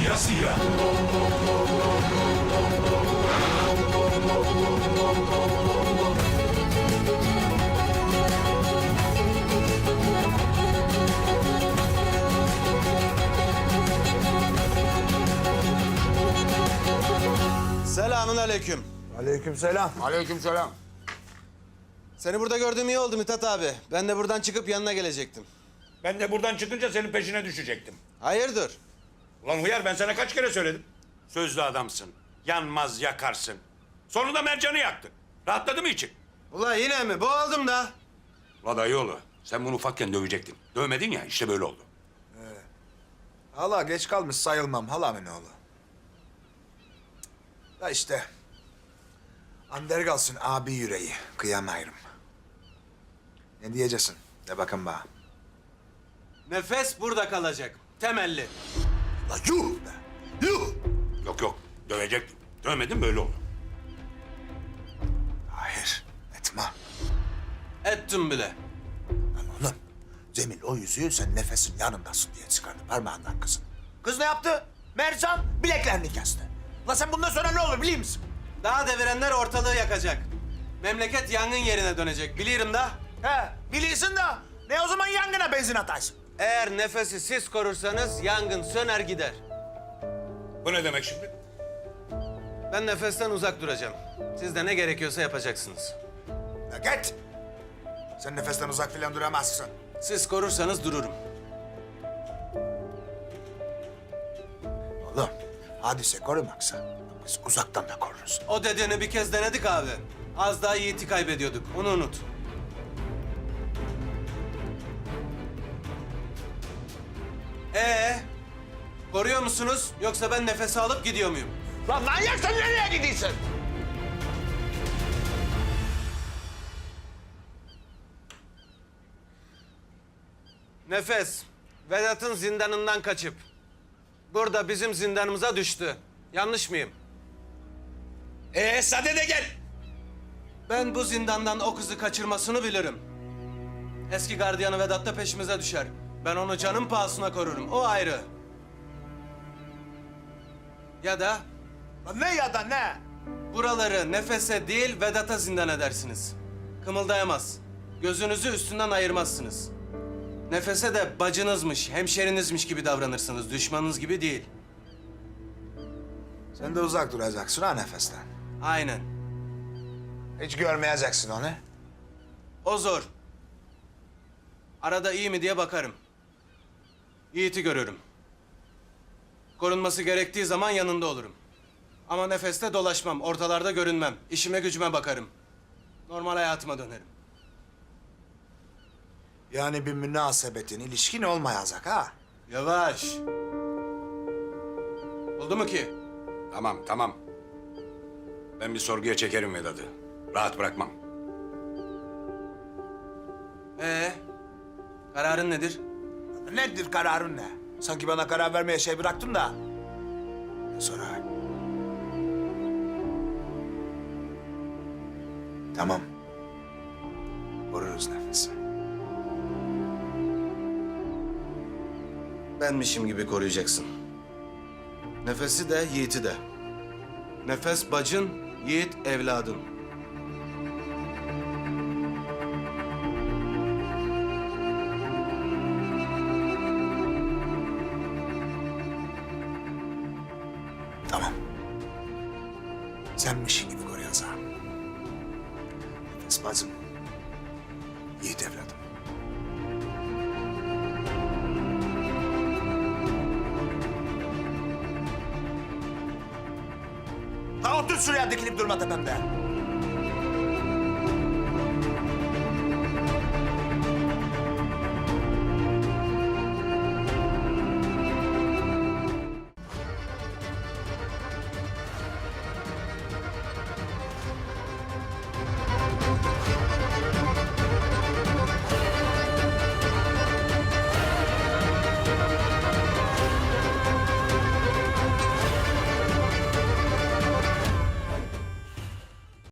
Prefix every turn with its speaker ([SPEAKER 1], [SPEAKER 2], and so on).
[SPEAKER 1] siyah.
[SPEAKER 2] Selamun aleyküm.
[SPEAKER 3] Aleykümselam.
[SPEAKER 4] Aleykümselam.
[SPEAKER 2] Seni burada gördüğüm iyi oldu Mithat abi. Ben de buradan çıkıp yanına gelecektim.
[SPEAKER 1] Ben de buradan çıkınca senin peşine düşecektim.
[SPEAKER 2] Hayırdır?
[SPEAKER 1] Ulan hıyar, ben sana kaç kere söyledim. Sözlü adamsın. Yanmaz yakarsın. Sonunda Mercan'ı yaktın. Rahatladı mı için?
[SPEAKER 2] Ula yine mi? Boğuldum da.
[SPEAKER 1] Ula dayıoğlu, sen bunu ufakken dövecektin. Dövmedin ya, işte böyle oldu.
[SPEAKER 3] Hala geç kalmış sayılmam halamın oğlu. Da işte. Ander kalsın abi yüreği. Kıyamayırım. Ne diyeceksin? De bakın bana.
[SPEAKER 2] Nefes burada kalacak. Temelli.
[SPEAKER 3] La yuh be! Yuh!
[SPEAKER 1] Yok yok, dövecektin. Dövmedin, böyle oldu.
[SPEAKER 3] Hayır, etme.
[SPEAKER 2] Ettim bile.
[SPEAKER 3] Lan oğlum, Cemil o yüzüğü sen nefesin yanındasın diye çıkardı parmağından kızın. Kız ne yaptı? Mercan bileklerini kesti. La sen bundan sonra ne olur biliyor musun?
[SPEAKER 2] Daha devirenler ortalığı yakacak. Memleket yangın yerine dönecek. Biliyorum da.
[SPEAKER 3] He, biliyorsun da ne o zaman yangına benzin ataysın?
[SPEAKER 2] Eğer nefesi siz korursanız yangın söner gider.
[SPEAKER 1] Bu ne demek şimdi?
[SPEAKER 2] Ben nefesten uzak duracağım. Siz de ne gerekiyorsa yapacaksınız.
[SPEAKER 3] La git! Sen nefesten uzak filan duramazsın.
[SPEAKER 2] Siz korursanız dururum.
[SPEAKER 3] Oğlum, hadise korumaksa biz uzaktan da koruruz.
[SPEAKER 2] O dediğini bir kez denedik abi. Az daha Yiğit'i kaybediyorduk. Onu unut. Koruyor musunuz? Yoksa ben nefes alıp gidiyor muyum?
[SPEAKER 3] Lan manyak sen nereye gidiyorsun?
[SPEAKER 2] Nefes, Vedat'ın zindanından kaçıp burada bizim zindanımıza düştü. Yanlış mıyım?
[SPEAKER 1] Sade de gel.
[SPEAKER 2] Ben bu zindandan o kızı kaçırmasını bilirim. Eski gardiyanı Vedat da peşimize düşer. Ben onu canım pahasına korurum. O ayrı. Ya da
[SPEAKER 3] Lan ne ya da ne?
[SPEAKER 2] buraları Nefes'e değil Vedat'a zindan edersiniz. Kımıldayamaz. Gözünüzü üstünden ayırmazsınız. Nefes'e de bacınızmış, hemşerinizmiş gibi davranırsınız. Düşmanınız gibi değil.
[SPEAKER 3] Sen de uzak duracaksın ha nefesten.
[SPEAKER 2] Aynen.
[SPEAKER 3] Hiç görmeyeceksin onu.
[SPEAKER 2] O zor. Arada iyi mi diye bakarım. Yiğit'i görürüm. Korunması gerektiği zaman yanında olurum. Ama nefeste dolaşmam, ortalarda görünmem. İşime gücüme bakarım. Normal hayatıma dönerim.
[SPEAKER 3] Yani bir münasebetin, ilişkin olmayacak ha.
[SPEAKER 2] Yavaş. Oldu mu ki?
[SPEAKER 1] Tamam tamam. Ben bir sorguya çekerim Vedat'ı. Rahat bırakmam.
[SPEAKER 2] Kararın nedir?
[SPEAKER 3] Nedir kararın ne? Sanki bana karar vermeye şey bıraktın da. Sonra. Tamam. Koruruz nefesi.
[SPEAKER 2] Benmişim gibi koruyacaksın. Nefesi de, Yiğit'i de. Nefes bacın, Yiğit evladın.
[SPEAKER 3] Tamam. Senmişin gibi koruyacağım. Nefes bacım. Yiğit evladım. Ha otur şuraya dikilip durma tepemde.